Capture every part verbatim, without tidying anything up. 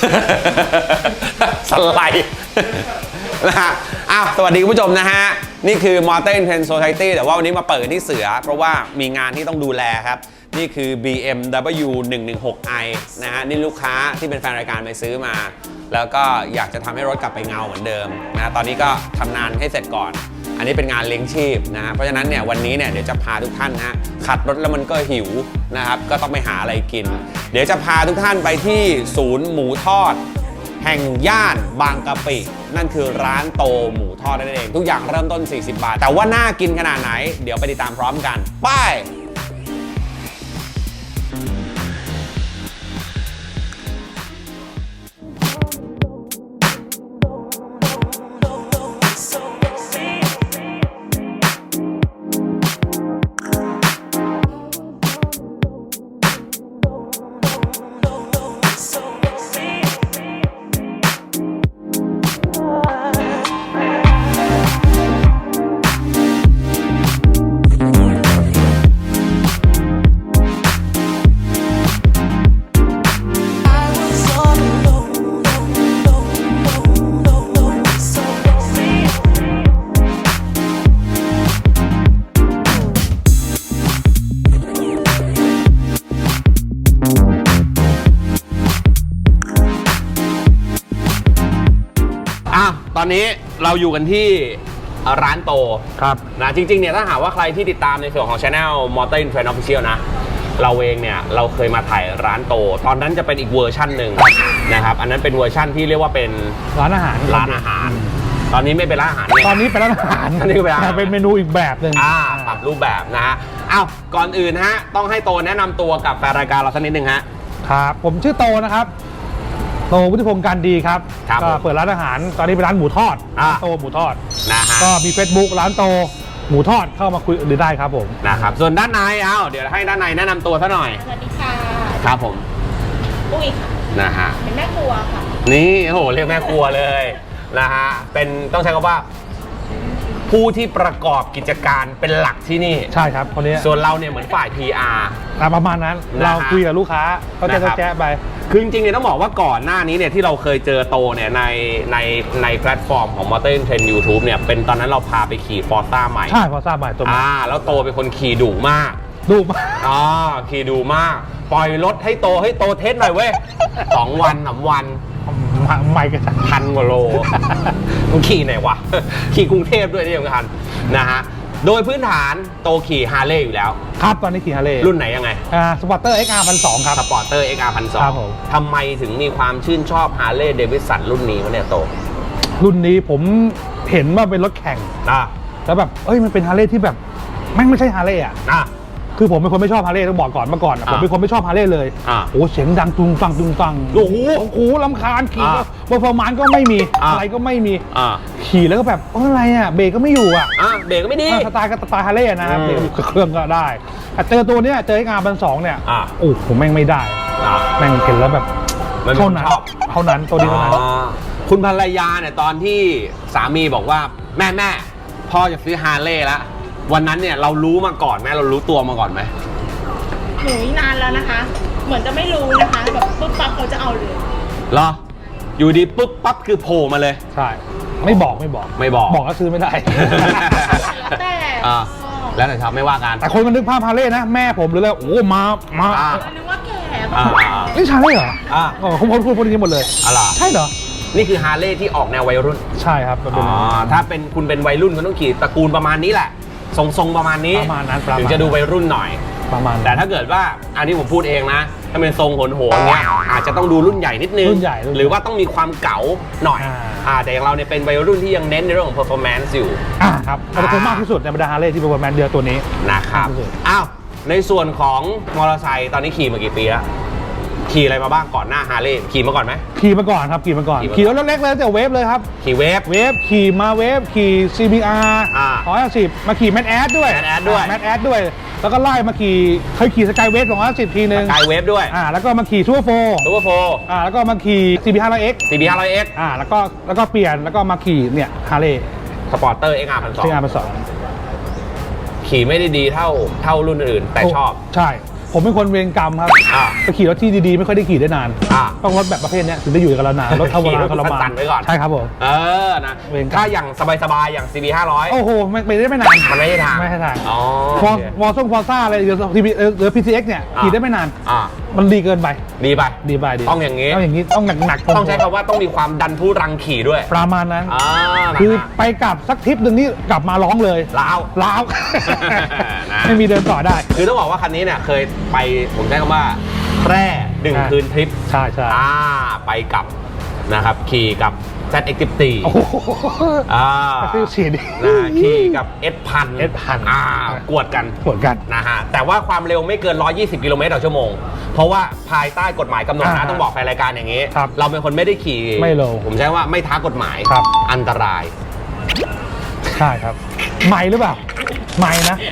สไลด์นะฮะอ้าวสวัสดีคุณผู้ชมนะฮะนี่คือ Motor Trend Society แต่ว่าวันนี้มาเปิดที่เสือเพราะว่ามีงานที่ต้องดูแลครับนี่คือ บี เอ็ม ดับเบิลยู หนึ่งหนึ่งหก ไอ นะฮะนี่ลูกค้าที่เป็นแฟนรายการไปซื้อมาแล้วก็อยากจะทำให้รถกลับไปเงาเหมือนเดิมนะตอนนี้ก็ทำงานให้เสร็จก่อนอันนี้เป็นงานเลี้ยงชีพนะฮะเพราะฉะนั้นเนี่ยวันนี้เนี่ยเดี๋ยวจะพาทุกท่านนะฮะขับรถแล้วมันก็หิวนะครับก็ต้องไปหาอะไรกินเดี๋ยวจะพาทุกท่านไปที่ศูนย์หมูทอดแห่งย่านบางกะปินั่นคือร้านโตหมูทอดนั่นเองทุกอย่างเริ่มต้นสี่สิบบาทแต่ว่าน่ากินขนาดไหนเดี๋ยวไปติดตามพร้อมกันไปตอนนี้เราอยู่กันที่ร้านโตครับนะจริงๆเนี่ยถ้าหากว่าใครที่ติดตามในส่วนของ Channel Motor Trend Official นะเราเองเนี่ยเราเคยมาถ่ายร้านโตตอนนั้นจะเป็นอีกเวอร์ชั่นหนึ่งนะครับอันนั้นเป็นเวอร์ชั่นที่เรียกว่าเป็นร้านอาหารร้านอาหารตอนนี้ไม่เป็นร้านอาหารตอนนี้เป็นร้านอาหารตอนนี้เป็นเป็นเมนูอีกแบบหนึ่งอ่าปรับรูปแบบนะฮะอ้าวก่อนอื่นฮะต้องให้โตแนะนำตัวกับแฟนรายการเราสักนิดนึงฮะครับผมชื่อโตนะครับโตวุฒิพงศ์การดีครับก็เปิดร้านอาหารตอนนี้เป็นร้านหมูทอดโตหมูทอดนะฮะก็มี Facebook ร้านโตหมูทอดเข้ามาคุยหรือได้ครับผมนะครับส่วนด้านในเอาเดี๋ยวให้ด้านในแนะนำตัวซะหน่อยสวัสดีค่ะครับผมปุ้ยค่ะนะฮะเป็นแม่ครัวค่ะนี่โหเรียกแม่ครัวเลยนะฮะเป็นต้องใช้คำว่าผู้ที่ประกอบกิจการเป็นหลักที่นี่ใช่ครับคนนี้ส่วนเราเนี่ยเหมือนฝ่าย พี อาร์ประมาณนั้นเราคุยกับลูกค้าเขาจะแจ้ไปคือจริงๆเนี่ยต้องบอกว่าก่อนหน้านี้เนี่ยที่เราเคยเจอโตเนี่ยในในในแพลตฟอร์มของ Motor Trend YouTube เนี่ยเป็นตอนนั้นเราพาไปขี่ Forza ใหม่ใช่ Forza ใหม่ตัวอ่าแล้วโตเป็นคนขี่ดุมากดุมากอ๋อขี่ดุมากปล่อยรถให้โตให้โตเทสหน่อยเว้ยสองวันสามวันไม่กันพันกว่าโลมันขี่ไหนวะขี่กรุงเทพด้วยนี่สำคัญนะฮะโดยพื้นฐานโตขี่ฮาร์เลย์อยู่แล้วครับตอนนี้ขี่ฮาร์เลย์รุ่นไหนยังไงอ่าสปอร์เตอร์ เอ็กซ์ อาร์ หนึ่งพันสองร้อย ครับสปอร์เตอร์ เอ็กซ์ อาร์ หนึ่งพันสองร้อยครับผมทำไมถึงมีความชื่นชอบฮาร์เลย์เดวิดสันรุ่นนี้วะเนี่ยโตรุ่นนี้ผมเห็นว่าเป็นรถแข่งอ่ะแล้วแบบเอ้ยมันเป็นฮาร์เลย์ที่แบบแม่งไม่ใช่ฮาร์เลย์อ่ะอ่ะคือผมเป็นคนไม่ชอบฮาร์เลย์ต้องบอกก่อนเมื่อก่อนผมเป็นคนไม่ชอบฮาร์เลย์เลยโอ้เสียงดังตุงตังตุงตังโอ้โหโอ้โหลำคาญขี่ก็เปอร์ฟอร์มานซ์ก็ไม่มีอะไรก็ไม่มีขี่แล้วก็แบบอะไรอ่ะเบรกก็ไม่อยู่อ่ะเบรกก็ไม่ดีสไตล์ก็สไตล์ฮาร์เลย์นะครับเบรกเครื่องก็ได้แต่เจอตัวเนี้ยเจอ เอ็กซ์ อาร์ หนึ่งพันสองร้อย เนี่ยโอ้ผมแม่งไม่ได้แม่งเห็นแล้วแบบเท่านั้นเท่านั้นตัวนี้เท่านั้นคุณภรรยาเนี่ยตอนที่สามีบอกว่าแม่แม่พ่อจะซื้อฮาร์เลย์แล้ววันนั้นเนี่ยเรารู้มาก่อนไหมเรารู้ตัวมาก่อนไหมหนูนานแล้วนะคะเหมือนจะไม่รู้นะคะแบบปุ๊บปั๊บเขาจะเอาเลยเหรออยู่ดีปุ๊บปั๊บคือโผล่มาเลยใช่ไม่บอกไม่บอกไม่บอกบอกก็ซื้อไม่ได้แล้วแต่แล้วแต่ชอบไม่ว่ากันแต่คนมันนึกภาพฮาร์เลย์นะแม่ผมหรืออะไรโอ้มามานึกว่าแก่นี่ชาเล่เหรออ่าเขาพูดพูดพูดอย่างนี้หมดเลยอะไรใช่เหรอนี่คือฮาร์เลย์ที่ออกแนววัยรุ่นใช่ครับอ๋อถ้าเป็นคุณเป็นวัยรุ่นคุณต้องขี่ตระกูลประมาณนี้แหละทรงๆประมาณนี้ประมาณนั้นถึงจะดูวัยรุ่นหน่อยประมาณแต่ถ้าเกิดว่าอันนี้ผมพูดเองนะถ้าเป็นทรงโหนๆเนี่ยอาจจะต้องดูรุ่นใหญ่นิดนึงรุ่นใหญ่หรือว่าต้องมีความเก๋าหน่อยอ่าแต่อย่างเราเนี่ยเป็นวัยรุ่นที่ยังเน้นในเรื่องของ performance อยู่อ่าครับแต่ผมมากที่สุดในบรรดาฮาร์เลย์ที่ performance เดือนตัวนี้นะครับอ้าวในส่วนของมอเตอร์ไซค์ตอนนี้ขี่มากี่ปีแล้วขี่อะไรมาบ้างก่อนหน้าฮาร์เลย์ขี่มาก่อนไหมขี่มาก่อนครับขี่มาก่อนขี่รถเล็กๆเลยแต่เวฟเลยครับขี่เวฟเวฟขี่มาเวฟขี่ ซี บี อาร์ หนึ่งร้อยห้าสิบมาขี่แมทแอดด้วยแมทแอดด้วยแมทแอดด้วยแล้วก็ไล่มาขี่เคยขี่สกายเวฟสองร้อยห้าสิบทีนึงสกายเวฟด้วยอ่าแล้วก็มาขี่ซูเปอร์โฟร์ซูเปอร์โฟร์อ่าแล้วก็มาขี่ ซี บี ห้าร้อย เอ็กซ์ซี บี ห้าร้อย เอ็กซ์อ่าแล้วก็แล้วก็เปลี่ยนแล้วก็มาขี่เนี่ยฮาร์เลย์สปอร์เตอร์ เอ็กซ์ อาร์ หนึ่งพันสองร้อยเอ็กซ์ อาร์ หนึ่งพันสองร้อยขี่ไม่ได้ดีเท่าเท่ารุ่นอื่นแต่ชอบใช่ผมเป็นคนเวรกรรมครับอ่าไปขี่รถที่ดีๆไม่ค่อยได้ขี่ได้นานอ่าต้องรถแบบประเภทเนี้ยถึงได้อยู่กับเรานานรถทวารทรมานสั่นๆไว้ก่อนใช่ครับผมเออนะเวรกรรมถ้าอย่างสบายๆอย่าง ซี บี ห้าร้อยโอ้โหไม่ไม่ได้ไม่นานมันไม่ใช่ทางไม่ใช่ทางอ๋อฟอโอร์เคฟอร์ซ่งฟอร์ซ่าอะไรหรือทีพีหรือพีซีเอ็กซ์เนี่ยอ่าขี่ได้ไม่นานอ่ามันดีเกินไปดีไปดีไปดีต้องอย่างนี้ต้องอย่างนี้ต้องหนักหนักๆต้องใช้คำว่าต้องมีความดันทุรังขี่ด้วยประมาณนั้นอ่านะคือฮะไปกลับสักทริปหนึ่งนี่กลับมาร้องเลยลาวล้าวนะไม่มีเดินต่อได้คือต้องบอกว่าคันนี้เนี่ยเคยไปผมใช้คำว่าแพร่หนึ่งอ่าคืนทริปใช่ใช่อ่าไปกับนะครับขี่กับ แซด เอ็กซ์ สิบสี่โอ้โหอ่าฟิลฉีดนะขี่กับ เอส พันเอส พันอ่ากวดกันเหมือนกันนะฮะแต่ว่าความเร็วไม่เกิน หนึ่งร้อยยี่สิบ กิโลเมตรต่อชั่วโมง เพราะว่าภายใต้กฎหมายกำหนดนะอ่าต้องบอกแฟนรายการอย่างนี้ครับเราเป็นคนไม่ได้ขี่ไม่เร็วผมใช้ว่าไม่ท้ากฎหมายครับอันตรายใช่ครับใหม่หรือเปล่าใหม่นะ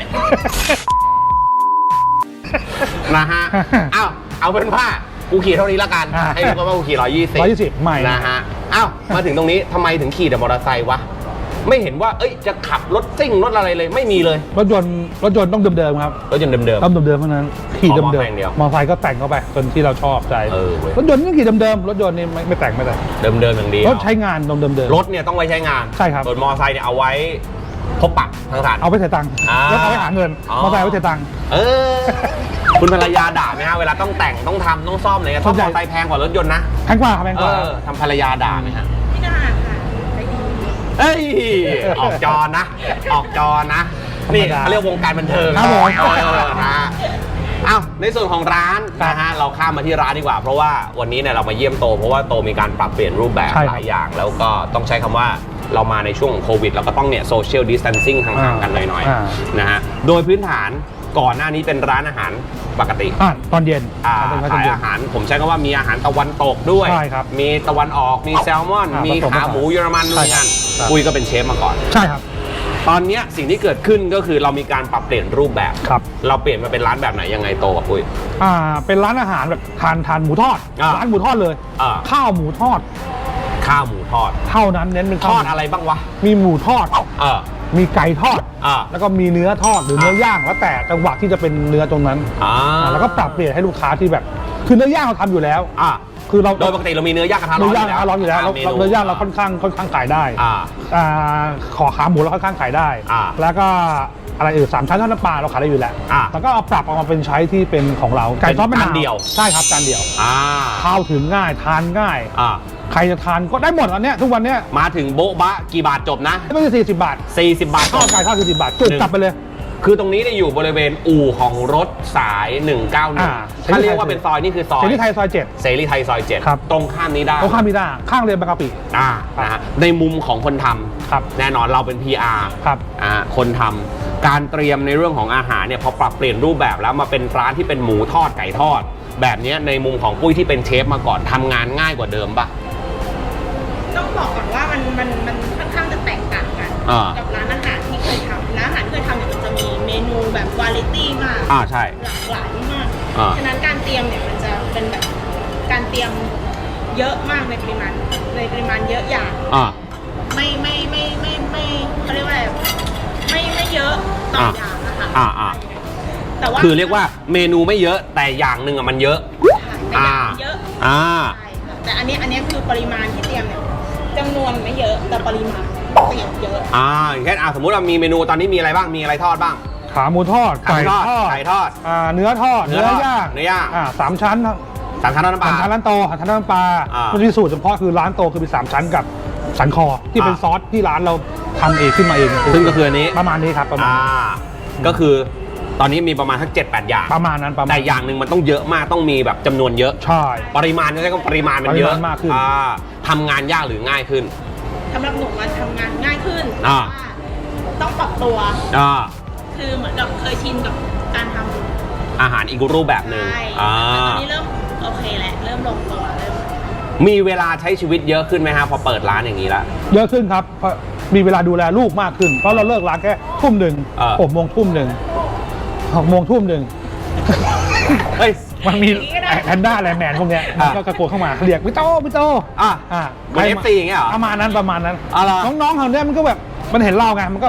นะฮะ อ้าว เอาเป็นว่ากูขี่เท่านี้ละกันอ่าให้รู้กันว่ากูขี่ร้อยยี่สิบร้อยยี่สิบใหม่นะฮะ อ้าว มาถึงตรงนี้ทำไมถึงขี่แต่มอเตอร์ไซค์วะ ไม่เห็นว่า เอ้ย จะขับรถซิ่งรถอะไรเลย ไม่มีเลยรถยนต์รถยนต์ต้องเดิมๆครับรถยนต์เดิมต้องเดิมๆเท่านั้นขี่อ๋อเดิมมอๆไซค์อย่างเดียวมอไซค์ก็แต่งเข้าไปจนที่เราชอบใจเออเว้ยรถยนต์นี่ขี่เดิมๆรถยนต์นี่ไม่ไม่แต่งไม่แต่งๆ เดิมๆอย่างเดียวรถใช้งานเดิมๆรถเนี่ยต้องไว้ใช้งานใช่ครับส่วนมอเตอร์ไซค์เนี่ยเอาไว้พบปะทางสารเอาไปเสียตังค์อ่ารถเอาไปหาเงินอ๋อมอไซค์เอาไปเสียตังค์เออ คุณภรรยาด่าไหมฮะ เวลาต้องแต่งต้องทำต้องซ่อมอะไรเงี้ยซ่อมมอเตอร์ไซค์แพงกว่ารถยนต์นะแพงกว่าครับแพงกเอว่าอทำภรรยาด่าไหมฮะไม่ได้ค่ะใจดีเอ้ย ออกจอนะ ออกจอนะ นี่เขาเรียกวงการบันเทิงครับผมเออนะอ้าวในส่วนของร้านนะฮะเราข้ามมาที่ร้านดีกว่า เพราะว่าวันนี้เนี่ยเรามาเยี่ยมโต เพราะว่าโตมีการปรับเปลี่ยนรูปแบบใช่ครับหลายอย่าง แล้วก็ต้องใช้คำว่าเรามาในช่วงของโควิดเราก็ต้องเนี่ยโซเชียลดิส a ทนซิ่งห่างๆกันหน่อยอ่าๆนะฮะโดยพื้นฐานก่อนหน้านี้เป็นร้านอาหารปกติอ่ะตอนเย็นอ่าเป็นตอนขายเย็นอาหารผมใช้คำว่ามีอาหารตะวันตกด้วยใช่ครับมีตะวันออกมีแซลมอนอ่ามีมีผสมผขาสานหมูเยอรมันใช่นู่นครับนั่นครับปุ้ยก็เป็นเชฟมาก่อนใช่ครับตอนเนี้ยสิ่งที่เกิดขึ้นก็คือเรามีการปรับเปลี่ยนรูปแบบครับเราเปลี่ยนมาเป็นร้านแบบไหนยังไงโตกับปุ้ยอ่าเป็นร้านอาหารแบบทานทานหมูทอดอ่าร้านหมูทอดเลยอ่าข้าวหมูทอดข้าวหมูทอดเท่านั้นเน้นเป็นทข้าวอดอะไรบ้างวะมีหมูทอดเออมีไก่ทอดอ่าแล้วก็มีเนื้อทอดหรือเนื้อย่างแล้วแต่จังหวะที่จะเป็นเนื้อตรงนั้นอ่าอ่าแล้วก็ปรับเปลี่ยนให้ลูกค้าที่แบบ คือเนื้อย่างเราทำอยู่แล้วอ่าคือเราโดยปกติเรามีเนื้อย่างกระทะร้เนื้อนอย่างเราร้อนอยู่แล้วเรามเราเนื้อย่างเราค่อนข้างค่อนข้างขายได้อ่าอ่าขอขาหมูเราค่อนข้างขายได้อ่าแล้วก็อะไรอื่นสามชั้นทอดน้ำปลาเราขายได้อยู่แล้วอ่าแล้วก็เอาปรับออกมาเป็นใช้ที่เป็นของเราไก่ทอดมะนาวจานเดียวใช่ครับจานเดียวอ่าข้าวถึงง่ายทานง่ายอ่าใครจะทานก็ได้หมดอันเนี้ยทุกวันเนี้ยมาถึงโบ๊ะบะกี่บาทจบนะไม่ใช่สี่สิบบาทสี่สิบบาทจข้าวบไก่ข้าวสี่สิบบาทจุกหนึ่งกลับไปเลยคือตรงนี้เนี่ยอยู่บริเวณอู่ของรถสายหนึ่งเก้าหนึ่งอ่าถ้าเรียกว่าเป็นซอยนี่คือซอยเสรีไทยซอยเจ็ดเสรีไทยซอยเจ็ดครับตรงข้ามนี้ได้ตรงข้ามมิด้าข้างเรียนบางกะปิอ่านะฮะในมุมของคนทำครับแน่นอนเราเป็น พี อาร์ครับอ่าคนทำการเตรียมในเรื่องของอาหารเนี่ยพอปรับเปลี่ยนรูปแบบแล้วมาเป็นร้านที่เป็นหมูทอดไก่ทอด แบบเนี้ยในมุมของปุ้ยที่เป็นเชฟมาก่อนทำงานง่ายกว่าเดิมปะต้องบอกก่อนว่ามันมันมันค่อนข้างจะแตกต่างกันอ่ากับร้านอาหารที่เคยทำร้านอาหารที่เคยทำเนี่ยมันจะมีเมนูแบบวาไรตี้มากอ่าใช่หลากหลายมากอ่าฉะนั้นการเตรียมเนี่ยมันจะเป็นแบบการเตรียมเยอะมากในปริมาณในปริมาณเยอะอย่างอ่าไม่ไม่ไม่ไม่ไม่เขาเรียกว่าอะไรไม่ไม่เยอะต่ออ่าอย่างนะคะอ่าอ่าแต่ว่าคือเรียกว่าเมนูไม่เยอะแต่อย่างหนึ่งอะมันเยอะแต่อย่างเยอะอ่าใช่ค่ะแต่อันนี้อันนี้คือปริมาณที่เตรียมเนี่ยจำนวนไม่เยอะแต่ปริมาณเตรียมเยอะอ่าอย่างเช่นอ่าสมมุติว่ามีเมนูตอนนี้มีอะไรบ้างมีอะไรทอดบ้างขาหมูทอดไก่ทอดไก่ทอดอ่าเนื้อทอดเนื้เนื้อทอดอย่างเนื้อย่างอ่าสามชั้นสามชั้นทอดน้ำปสาลามชั้นร้านโตสามชั้นน้ำปลาอ่ามัมันมีสูตรเฉพาะคือร้านโตคือมีสามชั้นกับสันคอที่เป็นอ่าซอสที่ร้านเราทำเองขึ้นมาเองซึ่งก็คืออันนี้ประมาณนี้ครับประมาณอ่าก็คือตอนนี้มีประมาณทั้งเจ็ดแปดอย่างประมาณนั้นประมาณแต่อย่างหนึ่งมันต้องเยอะมากต้องมีแบบจำนวนเยอะใช่ปริมาณก็ใช้คำว่าปริมาณมันเยอะปริมาณมากขึ้นอ่าทำงานยากหรือง่ายขึ้นสำหรับหนูมันทำงานง่ายขึ้นอ่าแต่ว่าต้องปรับตัวอ่าคือเหมือนกับเคยชินกับการทำอาหารอีกรูปแบบหนึ่งใช่อ่าแต่ตอนนี้เริ่มโอเคแหละเริ่มลงตัวเริ่มมีเวลาใช้ชีวิตเยอะขึ้นไหมฮะพอเปิดร้านอย่างนี้แล้วเยอะขึ้นครับเพราะมีเวลาดูแลลูกมากขึ้น เพราะเราเลิกร้านแค่ทุ่มหนึ่งเออหกโมงทุ่มหนึ่งหกโมงทุ่มหนึ่งเฮ้ยมันมีแพนด้าแลนด์แมนพวกเนี้ยมันก็กระโกนเข้ามาเรียกพี่โตพี่โตอ่ะอ่าเหมือน เอฟ ซี อย่างเงี้ยเหรอประมาณนั้นประมาณนั้นอ๋อเหรอน้องๆเขาเนี่ยมันก็แบบมันเห็นเราไงมันก็แบบอ่ะ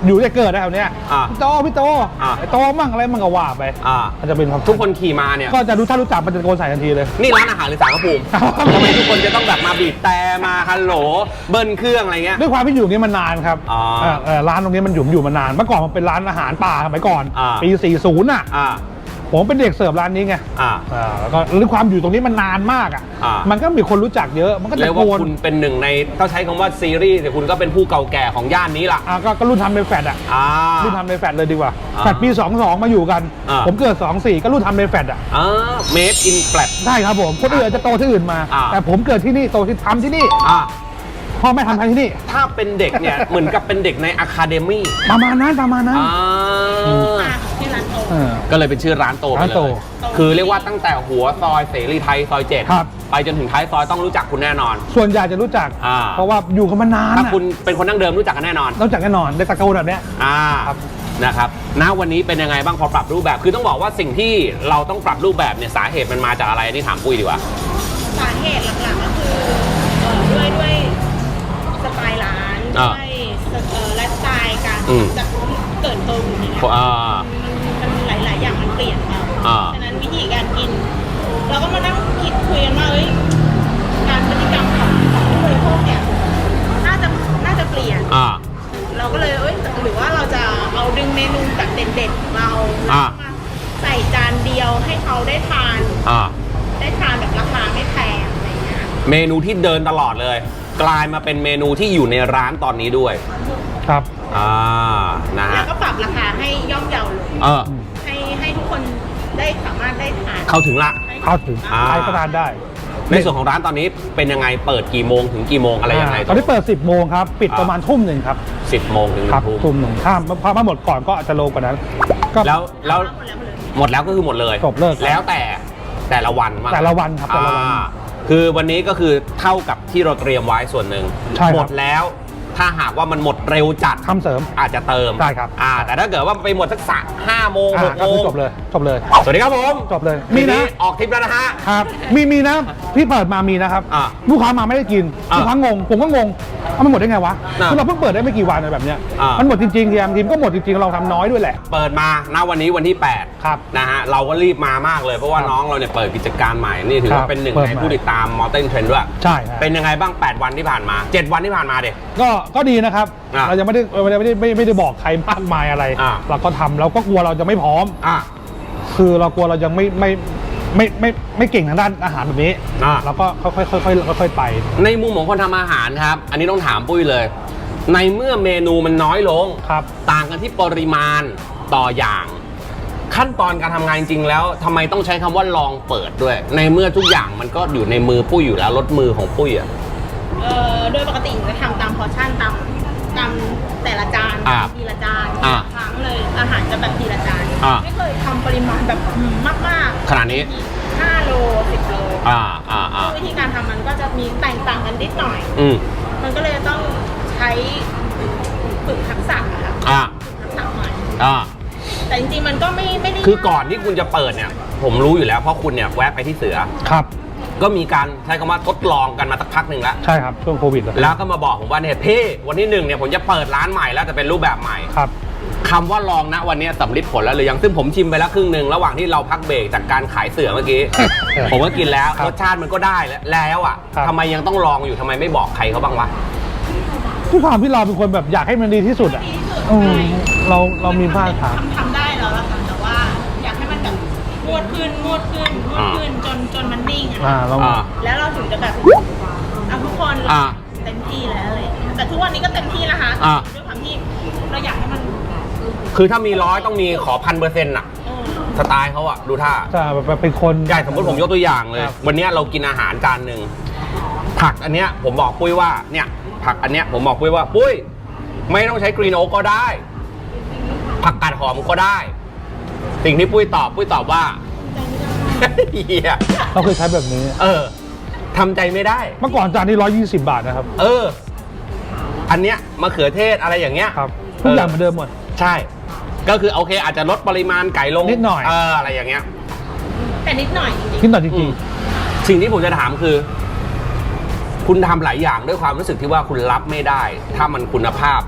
อยู่จะเกิดนะแถวเนี้ยอ่าพี่โตพี่โตอ่าไอ้โตมั่งอะไรมั่งก็ว่าไปอ่ามันจะเป็นความทุกคนขี่มาเนี่ยก็จะรู้ถ้ารู้จักมันจะตะโกนใส่ทันทีเลยนี่ร้านอาหารหรือสารพระภูมิทำไมทุกคนจะต้องแบบมาบีบแต่มาฮัลโหลเบิ้ลเครื่องอะไรเงี้ยด้วยความที่อยู่ตรงนี้มานานครับอ๋อเอ่อเอ่อร้านตรงนี้มันอยู่อยู่มานานเมื่อก่อนมันเป็นร้านอาหารป่าสมัยก่อนอ่าปีสี่สิบอ่ะอ่าผมเป็นเด็กเสิร์ฟร้านนี้ไงอ่าอ่าแล้วก็ด้วยความอยู่ตรงนี้มันนานมากอ่ะอ่ามัมันก็มีคนรู้จักเยอะมันก็เรีตะยกโกว่าน คุณเป็นหนึ่งในต้องใช้คำว่าซีรีส์แต่คุณก็เป็นผู้เก่าแก่ของย่านนี้ล่ะอ่าก็ก็รุ่นทำในแฟลตอ่ะอ่ารุ่นทำในแฟลตเลยดีกว่าอ่าแฟลตปีสองสองมาอยู่กันอ่าผมเกิดสองสี่ก็รุ่นทำในแฟลตอ่ะอ่า made in flat ได้ครับผมคนอื่นจะโตที่อื่นมาอ่าแต่ผมเกิดที่นี่โตที่ทำที่นี่อ่าพ่อแม่ทำทำที่นี่ถ้าเป็นเด็กเนี่ย เหมือนกับเป็นเด็กในอะคาเดมี่ประมาณนั้นประมาณนั้นอ่าอ่ะที่ร้านโตเออก็เลยเป็นชื่อร้านโตไปร้านเลโตย คือเรียกว่าตั้งแต่หัวซอยเสรีไทยซอยเจ็ดครับไปจนถึงท้ายซอยต้องรู้จักคุณแน่นอนส่วนใหญ่จะรู้จักอ่าเพราะว่าอยู่กันมานานถ้าอะคุณเป็นคนนั่งเดิมรู้จักกันแน่นอนรู้จักแน่นอนได้ตะโกนแบบเนี้ยอ่าครับนะครับ ณ วันนี้เป็นยังไงบ้างพอปรับรูปแบบ คือต้องบอกว่าสิ่งที่เราต้องปรับรูปแบบเนี่ยสาเหตุมันมาจากอะไรอันนี่ถามปุ้ยดีกว่าสาเหตุหลักๆก็คือเอ่อด้วยด้วยสไตล์ร้านอ่าด้วยเอ่อไลฟ์สไตล์การอืมจากเกิดโตอยู่ในนี้อ่ามันมันหลาย ๆ อย่างมันเปลี่ยนไปอ่าฉะนั้นวิธีการกิน เราก็มานั่งคิดคุยกันว่าเอ้ยการพฤติกรรมของของผู้บริโภคเนี่ยน่าจะน่าจะเปลี่ยนอ่าเราก็เลยเอ้ยหรือว่าเราจะเอาดึงเมนูแบบเด็ดๆของเราแล้วอ่าก็มาใส่จานเดียวให้เขาได้ทานอ่าได้ทานแบบราคาไม่แพงอะไรเงี้ยเมนูที่เดินตลอดเลย กลายมาเป็นเมนูที่อยู่ในร้านตอนนี้ด้วยครับอ่า นะแล้ฮะวก็ปรับราคาให้ย่อมเยาลงเออให้ให้ทุกคนได้สามารถได้ทานเข้าถึงละเข้าถึงอ่าใครก็ทานได้ในส่วนของร้านตอนนี้เป็นยังไง เปิดกี่โมงถึงกี่โมงอะไรยังไงตอนนี้เปิด สิบโมงครับ ปิดอ่าประมาณทุ่มหนึ่งครับสิบโมงถึงหครันึ่บงทุ่มทุ่มหนึ่งถ้าพอมาหมดก่อนก็อาจจะโลกว่านั้นก็แล้วแล้วหมดแล้วหมดเลยหมดแล้วก็คือหมดเลยจบเลิกครับแล้วแต่แต่ละวันมาแต่ละวันครับแต่ละวันอ่าคือวันนี้ก็คือเท่ากับที่เราเตรียมไว้ส่วนหนึ่งใช่ครับหมดแล้ว ถ้าหากว่ามันหมดเร็วจัดทำเสริมอาจจะเติมได้ครับอ่า แต่ถ้าเกิดว่าไปหมดสักสามห้าโมงอ่าหกก็โมคือง จบเลยจบเลยสวัสดีครับผมจบเลยมีมีนะนะออกทริปแล้วนะฮะครับมีมีนะพี่เปิดมามีนะครับอ่าลูกค้ามาไม่ได้กินอ่าลูกค้างงผมก็งงเอามันหมดได้ไงวะอ่าคือเราเพิ่งเปิดได้ไม่กี่วันอะไรแบบเนี้ยอ่ามัมันหมดจริงๆทีมทีมก็หมดจริงๆเราทำน้อยด้วยแหละเปิดมาณวันนี้วันที่แปดครับนะฮะเราก็รีบมามากเลยเพราะว่าครับน้องเราเนี่ยเปิดกิจการใหม่นี่ถือครัว่าบเป็นหนึ่งเปิดในใหม่ผู้ติดตามมอเตอร์เทรนด์ด้วยใช่ครับเป็นยังไงบ้างแปดวันที่ผ่านมาเจ็ดวันที่ผ่านมาเด็กก็ก็ดีนะครับอ่าเรายังไม่ได้ไม่ได้ไม่ได้ไม่ไม่ได้บอกใครมากมายอะไรอ่าเราก็ทำเราก็กลัวเราจะไม่พร้อมอ่ะคือเรากลัวเรายังไม่ไม่ไม่ไม่ไม่เก่งทางด้านอาหารแบบนี้อ่าเราก็ค่อยๆค่อยๆค่อยๆไปในมุมของคนทำอาหารครับ อันนี้ต้องถามปุ้ยเลย ในเมื่อเมนูมันน้อยลงครับต่างกันที่ปริมาณต่ออย่าง ขั้นตอนการทำงานจริงๆแล้วทำไมต้องใช้คำว่าลองเปิดด้วย ในเมื่อทุกอย่างมันก็อยู่ในมือปุ้ยอยู่แล้วรสมือของปุ้ยอ่ะเอ่อโดยปกติหนูจะทำตามพอร์ชั่นตามตามแต่ละจานอ่าทีละจานอ่าครั้งเลยอาหารจะแบบทีละจานอ่าไม่เคยทำปริมาณแบบมากมากขนาดนี้ห้าโลสิบโลอ่าอ่าอ่าวิธีการทำมันก็จะมีแตกต่างกันนิดหน่อยอืมมันก็เลยต้องใช้ฝึกทักษะอะค่ะอ่าทักษะหน่อยอ่าแต่จริงๆมันก็ไม่ไม่ได้คือก่อนที่คุณจะเปิดเนี่ย ผมรู้อยู่แล้วเพราะคุณเนี่ยแวะไปที่เสือครับก็มีการใช้คำว่าทดลองกันมาสักพักหนึ่งแล้วใช่ครับช่วงโควิดเลยแล้วก็มาบอกผมว่าเนี่ยพี่วันที่หนึ่งเนี่ยผมจะเปิดร้านใหม่แล้วแต่เป็นรูปแบบใหม่ครับคำว่าลองนะวันนี้สำลิดผลแล้วหรือยังซึ่งผมชิมไปแล้วครึ่งหนึ่งระหว่างที่เราพักเบรกจากการขายเสือเมื่อกี้ ผมก็กินแล้วครับรสชาติมันก็ได้แล้วแล้วอ่ะครับทำไมยังต้องลองอยู่ทำไมไม่บอกใครเขาบ้างวะทุกความที่เราเป็นคนแบบอยากให้มันดีที่สุดอ่ะดีที่สุดอืมใช่เราเรามีพลาดทางทำทำได้แล้วล่ะค่ะแต่ว่าอยากให้มันแบบงวดขึ้นงวดขึ้นงวดขึ้นจนจนมันนิ่งอะอ่าเราอ่าแล้วเราถึงจะแบบเอาทุกคนอ่าเต็มที่แล้วอะไรอย่างเงี้ยแต่ทุกวันนี้ก็เต็มที่นะคะอ่าด้วยความที่เราอยากให้มันคือถ้ามีร้อยต้องมีขอพันเปอร์เซ็นต์อ่ะเออสไตล์เขาอ่ะดูท่าจะแบบเป็นคนใช่สมมติผมยกตัวอย่างเลยครับวันเนี้ยเรากินอาหารจานหนึ่งผักอันเนี้ยผมบอกปุ้ยว่าเนี่ยผักอันเนี้ยผมบอกปุ้ยว่าปุ้ยไม่ต้องใช้กรีนโอ๊กก็ได้ ผักกาดหอมก็ได้ สิ่งที่ปุ้ยตอบปุ้ยตอบว่า เฮียเราเคยใช้แบบนี้เออทำใจไม่ได้เมื่อก่อนจานนี้ร้อยยี่สิบบาทนะครับเออ อันเนี้ยมะเขือเทศอะไรอย่างเงี้ยครับทุกอย่างเหมือนเดิมหมดใช่ ก็คือโอเค อาจจะลดปริมาณไก่ลงนิดหน่อยเอออะไรอย่างเงี้ยแต่นิดหน่อยจริงคิดหน่อยจอืริงมสิ่งที่ผมจะถามคือ คุณทำหลายอย่างด้วยความรู้สึกที่ว่าคุณรับไม่ได้ ถ้ามันคุณภาพ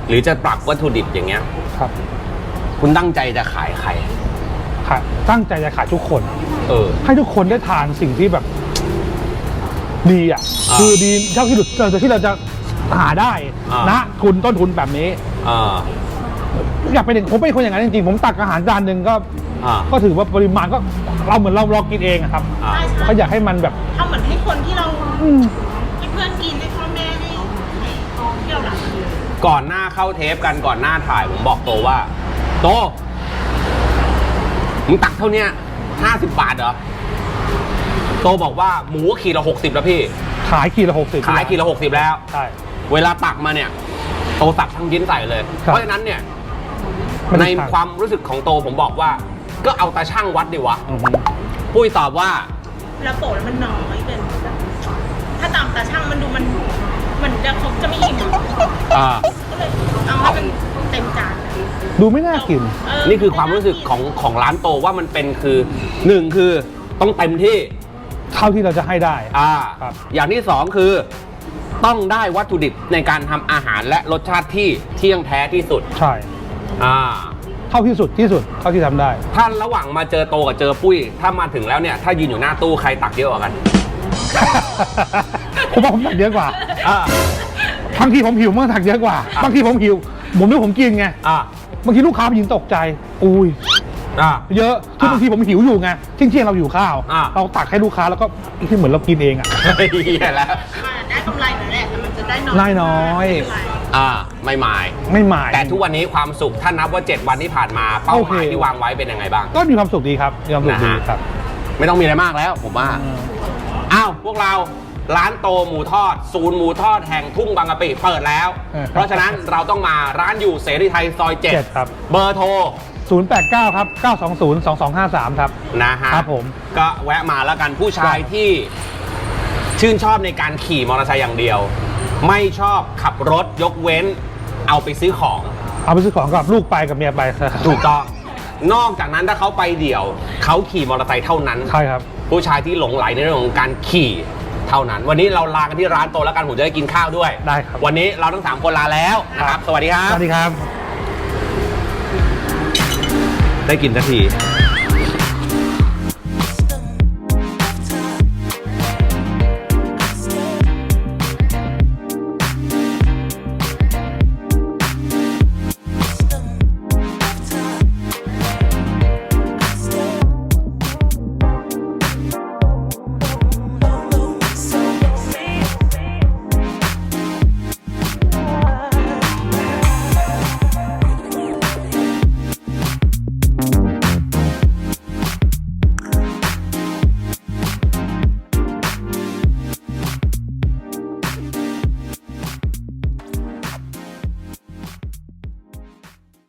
หรือจะปรับวัตถุดิบอย่างเงี้ยครับคุณตั้งใจจะขายใครขายตั้งใจจะขายทุกคนเออให้ทุกคนได้ทานสิ่งที่แบบดีอ่ะอ่าคือดีเท่าที่สุดเราที่เราจะหาได้อ่านะทุนต้นทุนแบบนี้อ่าอยากเป็นอย่างผมเป็นคนอย่างนั้นจริงๆผมตักอาหารจานหนึ่งก็อ่าก็ถือว่าปริมาณก็เราเหมือนเราเรากินเองอะครับอ่าใช่ใช่เขาอยากให้มันแบบทำเหมือนให้คนที่เราอืมให้เพื่อนกินให้พ่อแม่ให้ให้ที่เรารักก่อนหน้าเข้าเทปกันก่อนหน้าถ่ายผมบอกโตว่า โตมึงตักเท่าเนี้ยห้าสิบบาทเหรอ โตบอกว่าหมูขีดละหกสิบแล้วพี่ขายขีดละหกสิบขายขีดละหกสิบแล้วใช่เวลาตักมาเนี่ย โตตักทั้งยิ้นใส่เลยครับเพราะฉะนั้นเนี่ยไม่ในได้ทานความรู้สึกของโตผมบอกว่า ก็เอาตาช่างวัดดีวะอือฮึปุ้ยตอบว่าแล้วโปะแล้วมันน้อยเกินแบบถ้าตามตาช่างมันดูมันเหมือนจะครบจะไม่อิ่มอะอ่าก็เลยเอาให้มันเต็มจานเลยดูไม่น่ากินเออนี่คือความรู้สึกของของร้านโตว่ามันเป็นคือหนึ่งคือต้องเต็มที่เท่าที่เราจะให้ได้อ่าครับอย่างที่สองคือต้องได้วัตถุดิบในการทำอาหารและรสชาติที่เที่ยงแท้ที่สุดใช่อ่าเท่าที่สุดที่สุดเท่าที่ทำได้ถ้าระหว่างมาเจอโตกับเจอปุ้ย ถ้ามาถึงแล้วเนี่ย ถ้ายืนอยู่หน้าตู้ใครตักเยอะกว่ากันผมว่าผมตักเยอะกว่าอ่าบางทีผมหิวมันตักเยอะกว่าอ่ะบางทีผมหิว ผมนึกผมกินไงอ่าบางทีลูกค้าผู้หญิงตกใจ อุ้ยอ่าเยอะคือบางทีผมหิวอยู่ไงเที่ยงเที่ยงๆเราหิวข้าวอ่ะเราตักให้ลูกค้าแล้วก็ที่เหมือนเรากินเองอ่ะเหี้ยแล้วมันได้กำไรหน่อยแหละแต่มันจะได้น้อยได้น้อยอ่า ไม่หมายไม่หมายแต่ทุกวันนี้ความสุขถ้านับว่า เจ็ด วันที่ผ่านมาเป้าหมายโอเคที่วางไว้เป็นยังไงบ้างก็มีความสุขดีครับมีความสุขดีนะฮะครับไม่ต้องมีอะไรมากแล้วผมว่า อ้าว พวกเราร้านโตหมูทอด ศูนย์หมูทอดแห่งทุ่งบางกะปิเปิดแล้วเออเพราะฉะนั้นเราต้องมาร้านอยู่เสรีไทยซอยเจ็ดเจ็ดครับเบอร์โทรศูนย์ แปด เก้า ครับ เก้า สอง ศูนย์ สอง สอง ห้า สาม ครับนะฮะครับผมก็แวะมาแล้วกันผู้ชายครับที่ชื่นชอบในการขี่มอเตอร์ไซค์อย่างเดียว ไม่ชอบขับรถยกเว้นเอาไปซื้อของเอาไปซื้อของกับลูกไปกับเมียไปถูกต้อง นอกจากนั้นถ้าเขาไปเดี่ยว เขาขี่มอเตอร์ไซค์เท่านั้นใช่ครับผู้ชายที่หลงไหลในเรื่องของการขี่เท่านั้น วันนี้เราลากันที่ร้านโตแล้วกันผมจะได้กินข้าวด้วยได้ครับวันนี้เราทั้งสามคนลาแล้วนะครับ สวัสดีครัสบวัสดีครับได้กินสักที